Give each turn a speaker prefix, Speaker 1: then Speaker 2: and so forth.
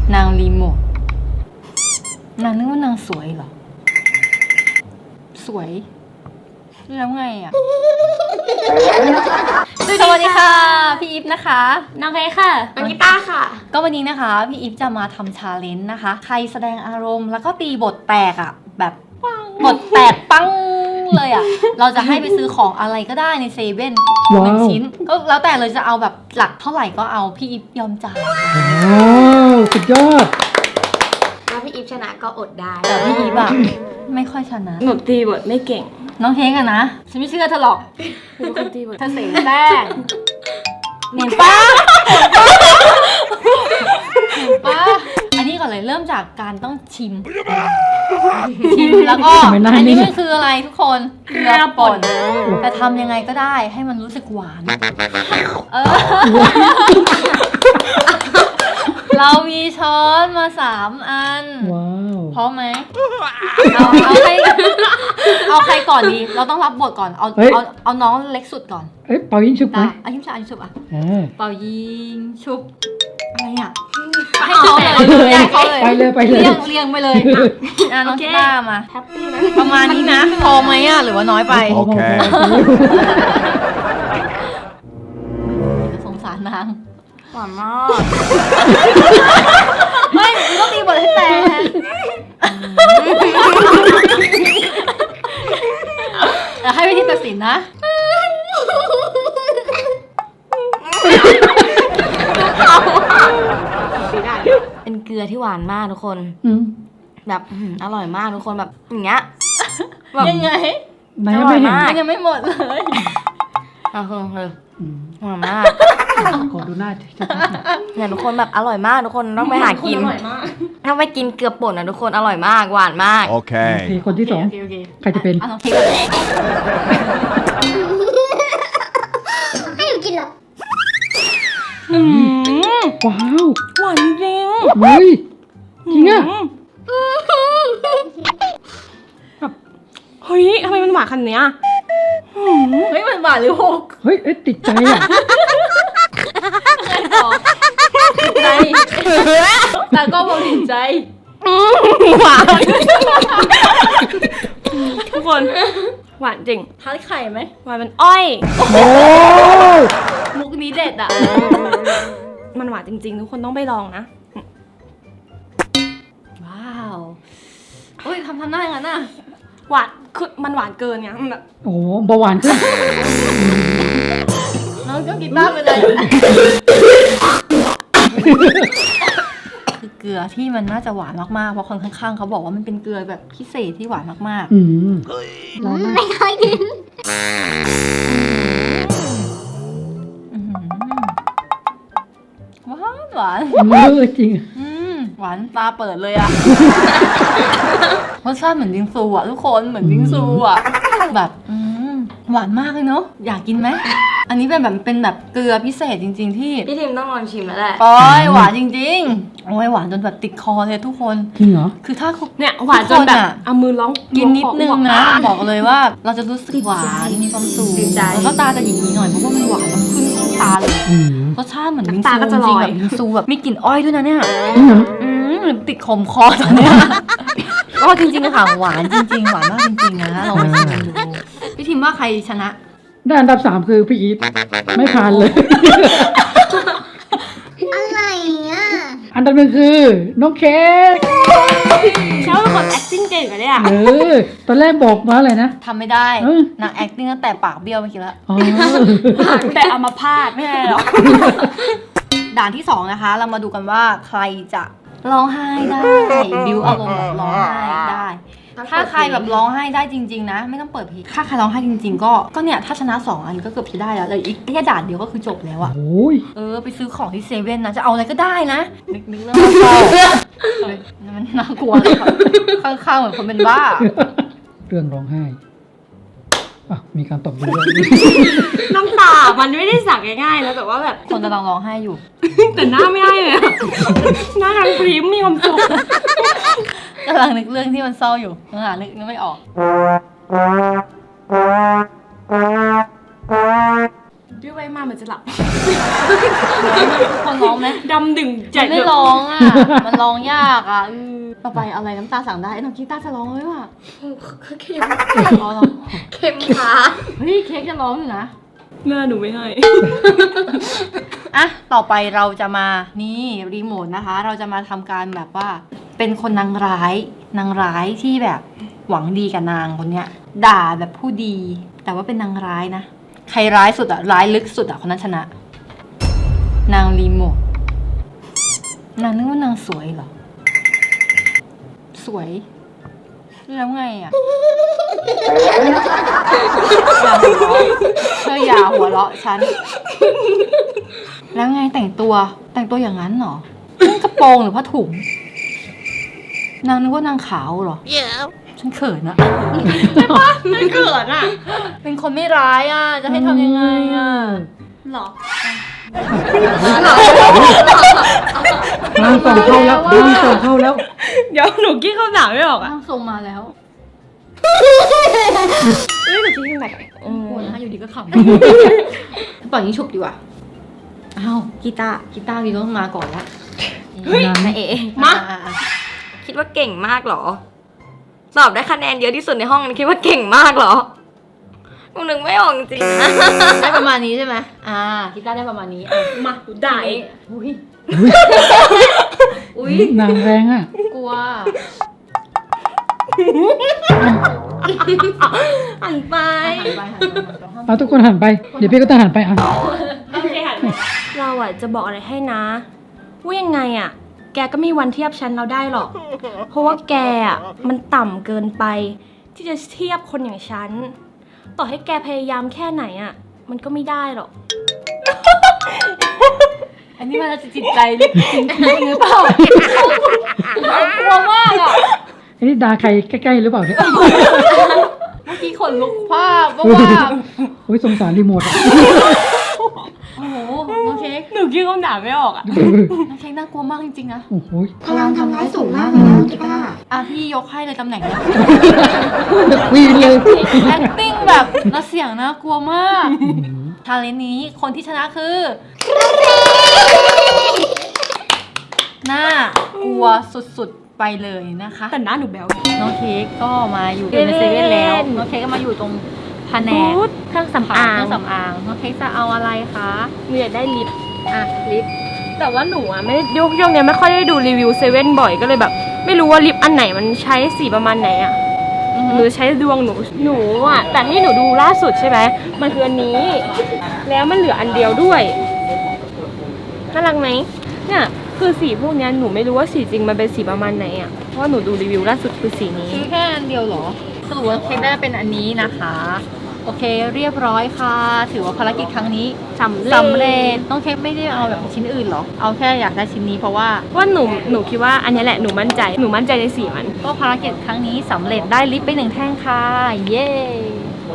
Speaker 1: นางรีโมทนางนึกว่านางสวยเหรอสวยแล้วไงอ่ะ สวัสดีค่ะพี่อีฟนะคะ
Speaker 2: น้องเพค่ะ
Speaker 3: น้องกีตาร์ค่ะ
Speaker 1: ก็วันนี้นะคะพี่อีฟจะมาทำชาเลนจ์นะคะใครแสดงอารมณ์แล้วก็ตีบทแตกอ่ะแบบบทแตกปังเลยอ่ะเราจะให้ไปซื้อของอะไรก็ได้ในเซเว่นหนึ่งชิ้นก็แล้วแต่เลยจะเอาแบบหลักเท่าไหร่ก็เอาพี่อีฟยอมจ่าย
Speaker 4: ว้าวสุดยอด
Speaker 3: ถ้าพี่อีฟชนะก็อดได้
Speaker 1: แต่พี่อีฟอะไม่ค่อยชนะ
Speaker 2: หนูตีบทไม่เก่ง
Speaker 1: น้องเฮงอะนะฉันไม่เชื่อเธอหรอก
Speaker 2: เป็นคนตีบท
Speaker 1: เธอเสียงแป้งเห็นปะอันนี้ก่อนเลยเริ่มจากการต้องชิมแล้วก็อันนี้มันคืออะไรทุกคนเกลือป่นแต่ทำยังไงก็ได้ให้มันรู้สึกหวานเรามีช้อนมา3 อัน
Speaker 4: ว้าว
Speaker 1: พร้อมไหมเอาใครก่อนดีเราต้องรับบทก่อนเอาน้องเล็กสุดก่อน
Speaker 4: เป่ายิงชุบไหม
Speaker 1: ยิงชุบอ่ะเป่ายิงชุบอะไรอ่ะให้เขาเลย
Speaker 4: ไปเลย
Speaker 1: เรียงไปเลยน้องกีตาร์มาประมาณนี้นะพอไหมอ่ะหรือว่าน้อยไป
Speaker 4: โอเค
Speaker 1: สงสารนาง
Speaker 2: หวานมาก
Speaker 1: ไม่ต้องตีบทให้แตกให้วิธีตัดสินนะ
Speaker 2: เป็นเกลือที่หวานมากทุกคนแบบอร่อยมากทุกคนแบบอย่างเงี้ย
Speaker 1: ยังไง
Speaker 4: อร่อยมาก
Speaker 1: ยังไม่หมดเลย
Speaker 2: หวานมาก
Speaker 4: ขอดูหน้า
Speaker 2: เนี่ยทุกคนแบบอร่อยมากทุกคนต้องไปหากินถ้าไม่กินเกลือป่นนะทุกคนอร่อยมากหวานมาก
Speaker 4: โอเคคนที่2ใครจะเป็น
Speaker 3: ให้หนูกินเหรอ
Speaker 4: ว้าว
Speaker 2: หวานจริง
Speaker 4: เฮ้ยจริงอะ
Speaker 2: แบบเฮ้ยทำไมมันหวานขนาดนี้
Speaker 1: เฮ้ยมันหวานหรือหก
Speaker 4: เฮ้ยติดใจอ่ะ
Speaker 1: ใจแต่ก็บอกติดใจ
Speaker 2: หวานทุกคนหวานจริง
Speaker 1: ทานไข่ไหม
Speaker 2: หวานมันอ้อย
Speaker 4: โอ้
Speaker 1: มุกนี้เด็ดอ่ะ
Speaker 2: มันหวานจริงๆทุกคนต้องไปลองนะ
Speaker 1: ว้าวโอ้ยทำหน้าอย่างนั้นน่ะ
Speaker 2: หวานคือมันหวานเกินไงมันแบบ
Speaker 4: โอ้เบาหวานขึ้น
Speaker 1: น้องก็กีตาร์ไปเลยคือเกลือที่มันน่าจะหวานมากๆเพราะคนข้างๆเขาบอกว่ามันเป็นเกลือแบบพิเศษที่หวานมาก
Speaker 3: ๆไม่เคยกิน
Speaker 1: หวาน
Speaker 4: จริง
Speaker 1: หวานตาเปิดเลยอะรสชาติเหมือนบิงซูอะทุกคนเหมือนบิงซูอะแบบหวานมากเลยเนาะอยากกินไหมอันนี้เป็นแบบเกลือพิเศษจริงๆที่
Speaker 2: พี่ทิมต้องลองชิมแล้วแหละ
Speaker 1: โอ้ยหวานจริงๆโอ้ยหวานจนแบบติดคอเลยทุกคน
Speaker 4: จริงเหรอ
Speaker 1: คือถ้า
Speaker 2: เนี่ยหวานจนแบบเอามือร้อง
Speaker 1: กินนิดนึงนะบอกเลยว่าเราจะรู้สึกหวานมีความสุขแล้วก็ตาจะหยีๆหน่อยเพราะว่ามันหวานมันขึ้นตาเลยรสชาติเหมือนบิงซูจริงแบบบิงซูแบบมีกลิ่นอ้อยด้วยนะเนี่ยติดขมคอตอนเนี้ยก็จริงๆค่ะหวานจริงๆหวานมากจริงๆนะลองไปชิมดูพี่ทิมว่าใครชนะ
Speaker 4: ได้อันดับ3คือพี่อีฟไม่ผ่านเลย
Speaker 3: อะไรอ่ะ
Speaker 4: อันดับ1คือน้องเค้ก
Speaker 2: เขาเป็นคน acting เก่งอะเนี่ย
Speaker 4: ตอนแรกบอกมาอะไรนะ
Speaker 1: ทำไม่ได้นาง acting ตั้งแต่ปากเบี้ยวเมื่อกี้แล้ว
Speaker 2: แต่เอามาพาดไม่ได้หรอก
Speaker 1: ด่านที่2นะคะเรามาดูกันว่าใครจะร้องไห้ได้บิวอารมณ์แบบร้องไห้ได้ถ้าใครแบบร้องไห้ได้จริงๆนะไม่ต้องเปิดเพลงถ้าใครร้องไห้จริงๆก็เนี่ยถ้าชนะ2 อันก็เกือบจะได้แล้วเลยอีกแค่ด่านเดียวก็คือจบแล้วอะไปซื้อของที่เซเว่นนะจะเอาอะไรก็ได้นะนึกเรื่องเศร้ามันน่ากลัวเลยข้างๆเหมือนคนเป็นบ้า
Speaker 4: เรื่องร้องไห้มีการตบมือ
Speaker 2: น้ำตามันไม่ได้สักง่ายๆแล้วแต่ว่าแบบ
Speaker 1: คนกำลังร้องไห้อยู่
Speaker 2: แต่หน้าไม่ให้เลยหน้ากำลังพริ้มมีความสุข
Speaker 1: กำลังนึกเรื่องที่มันเศร้าอยู่นึกไม่ออก
Speaker 5: บิวไปมาเหมือนจะหลับ
Speaker 1: ทุกคนร้องไหม
Speaker 5: ดำดึงใจ
Speaker 1: มันไม่ร้องอ่ะ มันร้องยากอ่ะต่อไปอะไรน้ำตาสั่งได้น้องคิดตาจะร้องไหมวะ
Speaker 3: เค็ม
Speaker 1: อ๋อเหรอ
Speaker 3: เค็มค่ะ
Speaker 1: เฮ้ยเค้กจะร้องอยู่นะ
Speaker 5: หน้าหนูไม่ให้
Speaker 1: อ่ะ ต่อไปเราจะมา นี่รีโมทนะคะ เราจะมาทำการแบบว่า เป็นคนนางร้าย นางร้ายที่แบบหวังดีกับนางคนเนี้ย ด่าแบบผู้ดี แต่ว่าเป็นนางร้ายนะ ใครร้ายสุดอะร้ายลึกสุดอะคนนั้นชนะ นางรีโมท นางนึกว่านางสวยเหรอ สวย แล้วไงอะอย่าหัวเราะฉัน แล้วไงแต่งตัวอย่างนั้นเหรอนั่นกระโปรงหรือผ้าถุง นางนึกว่านางขาวเหรอ ฉันเขินอะ
Speaker 5: ไม่เกิดอ่ะ
Speaker 1: เป็นคนไม่ร้ายอะจะให้ทำยังไงอะ
Speaker 5: หรอ
Speaker 4: ร่างส่งเข้าแล้วร่างส่งเข้าแล้ว
Speaker 5: เดี๋ยวหนูกี้คำถามไม่ออกอ่ะ
Speaker 1: ร่างทรงมาแล้ว
Speaker 5: เฮ้ยหนูกี้คำถาม
Speaker 1: โอ้โหนะอยู่ดีก็ขำ ปล่อยยิงฉุบดีกว่า อ้าวกีตาร์ดีต้องมาก่อนละ
Speaker 2: แม่เอ๋
Speaker 5: มา
Speaker 1: อ่ะ
Speaker 2: คิดว่าเก่งมากเหรอ ตอบได้คะแนนเยอะที่สุดในห้องคิดว่าเก่งมากเหรอหนูนึกไม่ออกจริงๆนะ
Speaker 1: ได้ประมาณนี้ใช่ไหมกีตาร์ได้ประมาณนี้อ่ะ
Speaker 5: มาหนูด่าเอง
Speaker 1: อุ้ย
Speaker 4: นางแรงอ่ะ
Speaker 1: กลัว
Speaker 5: หันไป
Speaker 4: เอาทุกคนหันไป เดี๋ยวพี่ก็ต้องหันไปอ่ะ
Speaker 5: โอเคหันไปเราอ่ะจะบอกอะไรให้นะ ว่ายังไงอ่ะ แกก็ไม่มีวันเทียบฉันเราได้หรอก เพราะว่าแกอ่ะมันต่ำเกินไป ที่จะเทียบคนอย่างฉัน ต่อให้แกพยายามแค่ไหนอ่ะ มันก็ไม่ได้หรอก
Speaker 1: อันนี้มันจะจิตใจลึกจริงๆหรือเปล่ากลัวมากอ่ะ
Speaker 4: อันนี้ดาใครใกล้ๆหรือเปล่าเนี่ย
Speaker 1: เมื่อกี้ขนลุกภาพว่า
Speaker 4: โอ้ยสงสารรีโมทอ่ะ
Speaker 1: โอ้โหน้องเค้ก
Speaker 5: หนูกี้คำถามไม่ออกอ่ะ
Speaker 1: น้องเค้กน่ากลัวมากจริงๆนะ
Speaker 4: โอ้โห
Speaker 3: พลังทำร้ายสูงมากเลยนะกีตาร์
Speaker 1: พี่ยกให้เลยตำแหน่งนี้
Speaker 4: วีนเลย
Speaker 1: acting แบบน่าเสียงน่ากลัวมากทาเลนนี้คนที่ชนะคือน่ากลัวสุดๆไปเลยนะคะ
Speaker 5: แต่หน้าหนูแบว
Speaker 1: น้องเค้กก็มาอยู่ในเซเว่นแล้ว น้องเค้กก็มาอยู่ตรงแผนก
Speaker 5: พูดเครื่องสำ
Speaker 1: เค
Speaker 5: อาง
Speaker 1: รื่องสำอาง น้องเค้กจะเอาอะไรคะ
Speaker 5: หนูอยากได้ลิป
Speaker 1: ลิป
Speaker 5: แต่ว่าหนูอ่ะไม่ยกเนี้ยไม่ค่อยได้ดูรีวิวเซเว่นบ่อยก็เลยแบบ ไม่รู้ว่าลิปอันไหนมันใช้สีประมาณไหนอ่ะหรือใช้ดวงหนูอ่ะแต่ที่หนูดูล่าสุดใช่ไหมมันคืออันนี้ แล้วมันเหลืออันเดียวด้วยน่ารักไหมเนี่ยคือสีพวกเนี้ยหนูไม่รู้ว่าสีจริงมันเป็นสีประมาณไหนอ่ะเพราะว่าหนูดูรีวิวล่าสุดคือสีนี้
Speaker 1: ซื้อแค่อันเดียวเหรอ สรุปว่าเค้กได้เป็นอันนี้นะคะ โอเคเรียบร้อยค่ะ ถือว่าภารกิจครั้งนี้สำเร็จ น้องเค้กไม่ได้เอาแบบชิ้นอื่นหรอ เอาแค่อยากได้ชิ้นนี้เพราะว่า
Speaker 5: ว่าหนูคิดว่าอันนี้แหละหนูมั่นใจในสีมัน
Speaker 1: ก็ภารกิจครั้งนี้สำเร็จได้ลิปไป1 แท่งค่ะ เย้